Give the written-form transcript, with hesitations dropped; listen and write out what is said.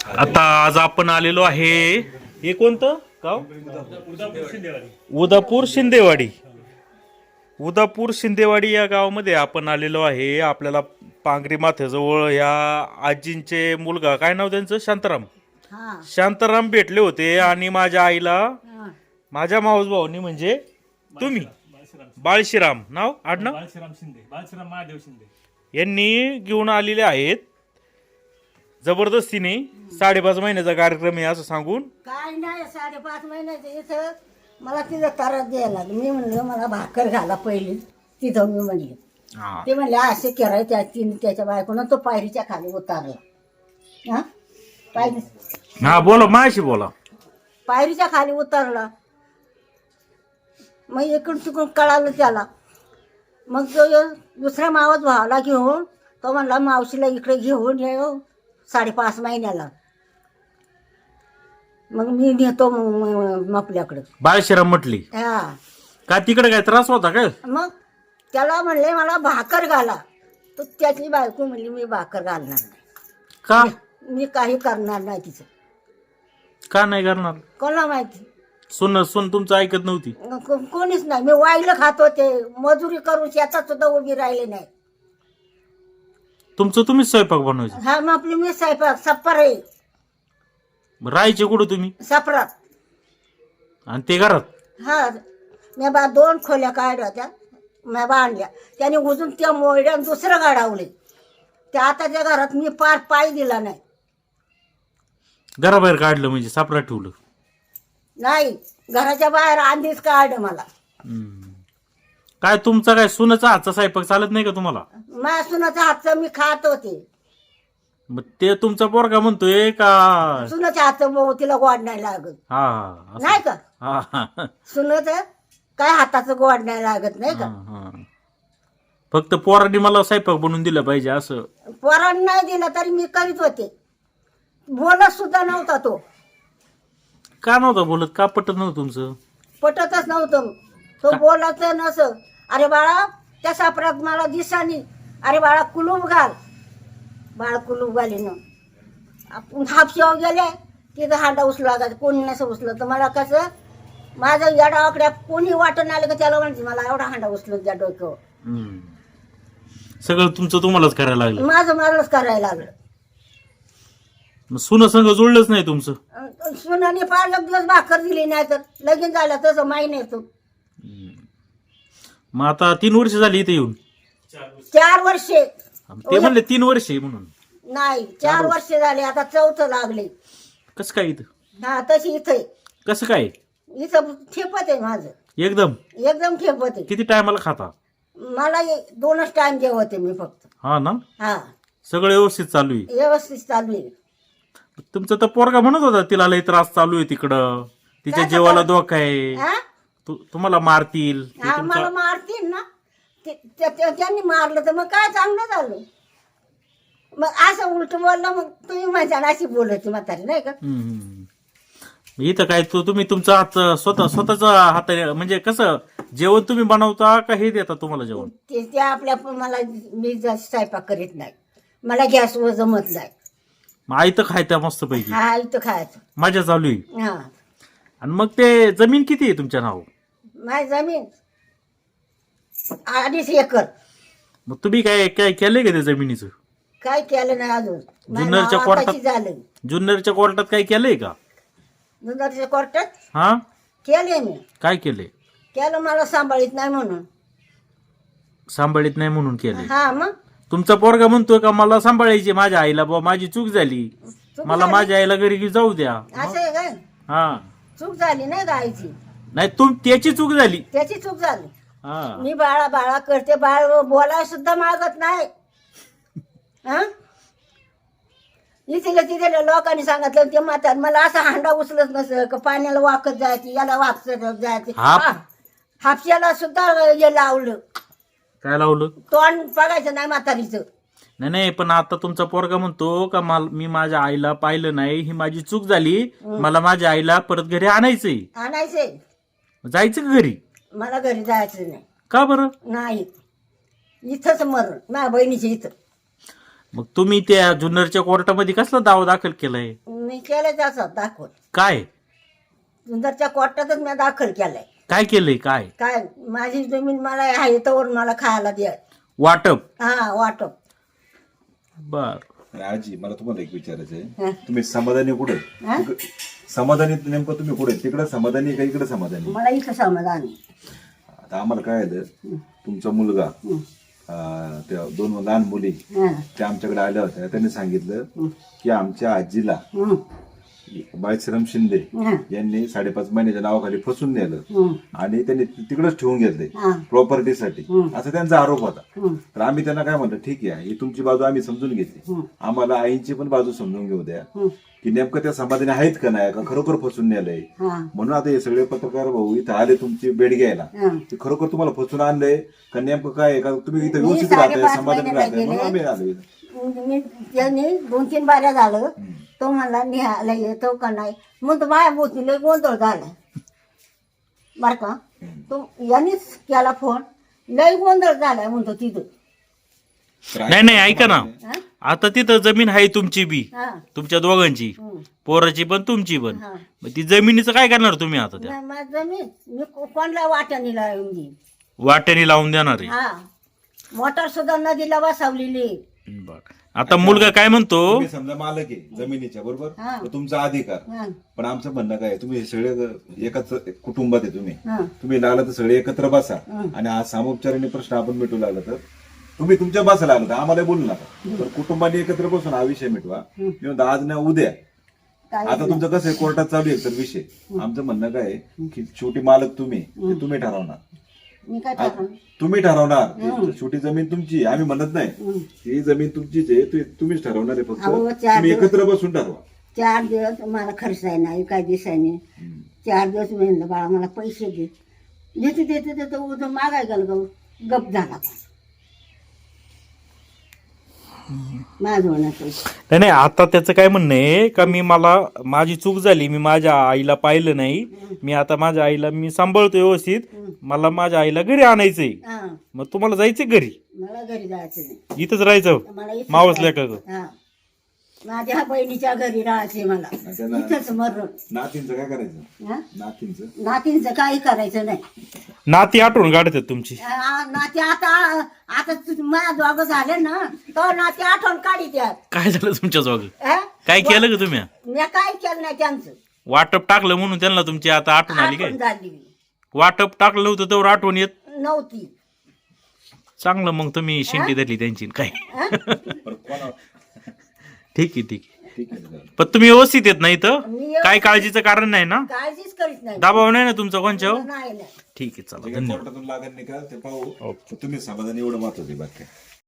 आता आज आपण आलेलो आहे, हे कोणतं गाव? उदापूर शिंदेवाडी. उदापूर शिंदेवाडी या गावामध्ये आपण आलेलो आहे. आपल्याला पांगरी माथ्याजवळ या आजींचे मुलगा, काय नाव त्यांचं, शांताराम. शांताराम भेटले होते आणि माझ्या आईला माझ्या मावस भाऊनी म्हणजे तुम्ही बाळशीराम नाव आडनाव बाळशीराम महादेव शिंदे यांनी घेऊन आलेले आहेत. जबरदस्तीने 5.5 महिन्याचा कार्यक्रम आहे असं सांगून. काय नाही 5.5 महिन्याचं इथं मला तिथं तारात द्यायला लागलं. मी म्हणलं मला भाकर घाला पहिली तिथं. मी म्हणले ते म्हणले असे करायचे. तिने त्याच्या बायकोनं तो पायरीच्या खाली उतारला. हा बोला, माझ्याशी बोला. पायरीच्या खाली उतरला. मग इकडून तिकडून कळालं त्याला. मग तो दुसऱ्या मावस भावाला घेऊन तो म्हणला मावशीला इकडे घेऊन ये 5.5 महिन्याला. मग मी नेतो आपल्याकडे. बाळशीराम म्हटली हा. का तिकडे काय त्रास होता काय? मग त्याला म्हणले मला भाकर घाला. तर त्याची बायको म्हणली मी भाकर घालणार नाही. का? मी काही करणार नाही तिचं. का नाही करणार? कोणाला माहिती. सुन तुमचं ऐकत नव्हती. कोणीच नाही. मी वाईलं खात होते. मजुरी करून शेतात सुद्धा उभी राहिले नाही. तुमचं तुम्हीच स्वयंपाक बनवायचं? हा. मग आपली मी स्वयंपाक सप्पर आहे. राहायचे कुठं तुम्ही? सपरात. आणि ते घरात? हा. मी 2 खोल्या काढल्या होत्या. मी बांधल्या. त्याने उजून त्या मोळ्या दुसरं गाडावले. त्या आताच्या घरात मी पार पाय दिला नाही. घराबाहेर काढलं म्हणजे सापरात ठेवलं? नाही, घराच्या बाहेर आंधीच काढ मला. काय तुमचा काय सुनाचा हातचा स्वयंपाक चालत नाही का तुम्हाला? माझ्या सुनाच्या हातचं मी खात होते. मग ते तुमचा पोरगा म्हणतोय का सुनाच्या हातचं तिला गोड नाही लागत? हा नाही का? हा. सुनाचं काय हाताचं गोड नाही लागत नाही का? फक्त पोरांनी मला स्वयंपाक बनवून दिला पाहिजे असं? पोरांनी नाही दिला तरी मी करीत होते. बोलत सुद्धा नव्हता तो. का नव्हता बोलत? का पटत नव्हतं तुमचं? पटतच नव्हतं. तो बोलायचं नसं. अरे बाळा त्या सापरात मला दिसानी. अरे बाळा कुलूप घाल. बाळ कुलूप घालीनं आपण हापशाव गेले. तिथं हांडा उचला का कोणी नसं उचलं तर मला कसं माझं या डावाकड्या कोणी वाटण आलं का त्याला म्हणजे मला एवढा हांडा उचलत त्या डोक्यावर. सगळं तुमचं तुम्हालाच करायला लागलं? माझं मलाच करायला लागलं. सुन संग जुळलंच नाही तुमचं? सुनाने फार दिवस भाकर दिली नाही तर लगीन झालं तसं माहिती येतो. मग आता 3 वर्ष झाली इथे येऊन? 4 वर्षे. ते म्हणले 3 वर्षे म्हणून. नाही 4 वर्षे झाले. आता 4थं लागले. कसं काय इथं? हा तशी इथं. कसं काय इथं ठेपत आहे माझं. एकदम ठेपत आहे. किती टायमाला खाता? मला 2च टाइम जेवते मी फक्त. हा ना? हा. सगळं व्यवस्थित चालू आहे? व्यवस्थित चालू आहे. तुमचा तर पोरगा म्हणत होता तिला लई त्रास चालू आहे तिकडं, तिच्या जीवाला धोका आहे, हा? तुम्हाला मारतील. हा मला मारतील ना. त्यांनी मारलं तर मग काय चांगलं झालं. मग असं उलट बोललं मग तुम्ही माझ्या अशी बोलायची म्हातारी नाही का? इथं काय तुम्ही तुमचा हात स्वतःचा हात म्हणजे कसं जेवण तुम्ही बनवता का हे देता तुम्हाला जेवण? ते आपल्या मला मी स्वयंपाक करीत नाही. मला गॅसवर जमत नाही. मग आई तर खायचं मस्त पैकी? हा इथं खायचं. मजा चालू आहे. हा. आणि मग ते जमीन किती आहे तुमच्या नाव? माझी जमीन 2.5 एकर. मग तुम्ही काय काय केलंय का त्या जमिनीचं? काय केलं नाही अजून. जुन्नरच्या कोर्टात? झालं. जुन्नरच्या कोर्टात काय केलंय का? जुन्नरच्या कोर्टात हा केले मी. काय केलंय? केलं मला सांभाळीत नाही म्हणून. सांभाळीत नाही म्हणून केलंय? हा. मग तुमचा पोरगा म्हणतोय का मला सांभाळायची माझ्या आईला, बाबा माझी चूक झाली, मला माझ्या आईला घरी जाऊ द्या. असं आहे काय? हा. चूक झाली नाही गायची. नाही त्याची चूक झाली. त्याची चूक झाली. हा. मी बाळा करते. बाळ बोलायला सुद्धा मागत नाही. हा. तिथे लोकांनी सांगितलं ते म्हातार मला असं हांडा उचलत नसं का पाण्याला वाकत जायची, याला वाकत जायची. हापशाला सुद्धा हे लावलं. काय लावलं? तोंड बघायचं नाही म्हातारीचं. नाही पण आता तुमचा पोरगा म्हणतो का मी माझ्या आईला पाहिलं नाही, ही माझी चूक झाली, मला माझ्या आईला परत घरी आणायचंय. जायचं का घरी? मला घरी जायचं नाही. का बरं? नाही इथंच मरण माझ्या बहिणीच्या इथं. मग तुम्ही त्या जुन्नरच्या कोर्टामध्ये कसला दावा दाखल केलाय? मी केलं त्याचा दाखल काय सुंदरच्या कोर्टातच मी दाखल केलाय. काय केलंय काय काय माझी जमीन मला आहे तर मला खायला द्या. वाटप हा वाटप. बर आणि आजी मला तुम्हाला एक विचारायचं हा. आहे, तुम्ही समाधानी कुठे हा? समाधानी नेमकं तुम्ही कुठे तिकडे समाधानी का इकडे समाधानी? मला इथं समाधान आहे. आता आम्हाला काय आलं, तुमचा मुलगा त्या 2 लहान मुली हा. त्या आमच्याकडे आल्या होत्या. त्यांनी सांगितलं की आमच्या आजीला हं. बाळश्राम शिंदे हा. यांनी 5.5 महिन्याच्या नावाखाली फसून नेलं हं. आणि त्यांनी तिकडेच ठेवून घेतले हा. प्रॉपर्टीसाठी, असा त्यांचा आरोप होता. हं. तर आम्ही त्यांना काय म्हणतो, ठीक आहे ही तुमची बाजू आम्ही समजून घेतली, आम्हाला आईची पण बाजू समजून घेऊ द्या की नेमकं त्या समाधानी आहेत का नाही, का खरोखर फसून नेलंय. हा. म्हणून आता हे सगळे पत्रकार भाऊ इथं आले तुमची भेट घ्यायला, हा. ते खरोखर तुम्हाला फसून आणलंय का नेमकं काय आहे, का तुम्ही इथं मी व्यवस्थित राहताय 5.5 समाधानी महिने राहताय, म्हणून गेले. आम्ही आलो इथं. मी त्यांनी 2-3 बाऱ्या झालं. तो म्हणला निहायला येतो का नाही, मग तो माझ्या बोतीला गोंधळ झाला बर का. तो यांनीच केला फोन, लय गोंधळ झालाय म्हणतो तिथं. नाही नाही ऐका ना, हा? आता तिथं जमीन आहे तुमची बी, हा. तुमच्या दोघांची, हं. पोराची पण तुमची पण. हा. मग ती जमिनीचं काय करणार तुम्ही आता? त्या नाही, माझं जमीन मी कोणला वाट्यानीला येऊन देईन. वाट्याने लावून देणार आहे. हा. मोटर सुद्धा नदीला बसवलेली. बर. आता मुलगा काय म्हणतो, तुम्ही समजा मालक आहे जमिनीच्या, बरोबर, हा. तर तुमचा अधिकार. हा. पण आमचं म्हणणं काय आहे, तुम्ही हे सगळे एकाच कुटुंबात आहे, हा. तुम्ही लागला तर सगळे एकत्र बसा आणि हा सामोपचाराने प्रश्न आपण मिटू लागला तर तुम्ही तुमच्या बसायला लागला तर आम्हाला बोलू नका, तर कुटुंबाने एकत्र बसून हा विषय मिटवा. मी म्हणतो आज ना उद्या. काय आता तुमचं कसं आहे, कोर्टात चालू आहे तर विषय. आमचं म्हणणं काय आहे की शेवटी मालक तुम्ही, ते तुम्ही ठरवणार. मी काय टाकणार? तुम्ही ठरवणार, छोटी जमीन तुमची आहे, आम्ही म्हणत नाही. ही जमीन तुमचीच आहे, तुम्हीच ठरवणार आहे. फक्त अहो, चार तुम्ही दिवस- एकत्र बसून ठरवा. 4 दिवस मला खर्च आहे नाही, काय दिसायने. 4 दिवस मी म्हणलं बाळा मला पैसे दे. देते उद्या मागाय गेलं गप झाला. माझं पैसे नाही नाही, आता त्याचं काय म्हणणं आहे का मला माझी चूक झाली, मी माझ्या आईला पाहिलं नाही, मी आता माझ्या आईला मी सांभाळतो व्यवस्थित, मला माझ्या आईला घरी आणायचंय. हा. मग तुम्हाला जायचं घरी, मला घरी जायचं नाही. इथंच राहायचं मला इथंच मावसल्या का राहायचं. हा. माझ्या बहिणीच्या घरी राहायचे मला. त्यांना- इथंच मरण. नातींचं काय करायचं? हा? नातींचं नातींचं काही करायचं नाही. नाती आठवण काढतात तुमची. नाती आता माझ्या दोघं झाले ना, तर नाती आठवण काढी त्यात. काय झालं तुमच्या जोग? काय केलं का तुम्ही? मी काय केलं नाही त्यांचं. वाटप टाकलं म्हणून त्यांना तुमची आता आठवण आली आठवण काय? झाली वाटप टाकलं नव्हतं तेवढं आठवण येत. नव्हती. चांगलं मग तुम्ही शेंटी धरली त्यांची काय. बरं, कोणा- ठीक आहे ठीक आहे. ठीक आहे. पण तुम्ही व्यवस्थित येत नाही तर मी व्यवस्थित- काय काळजीचं कारण नाही ना, काळजीच करीत नाही. दबाव नाही ना तुमचा कोणच्यावर? नाही नाही. ठीक आहे चला जे काही धन्यवाद. कोर्टातून लागत नाही का ते पाहू. तुम्ही समाधानी एवढं महत्वाचं आहे. बाकी काय.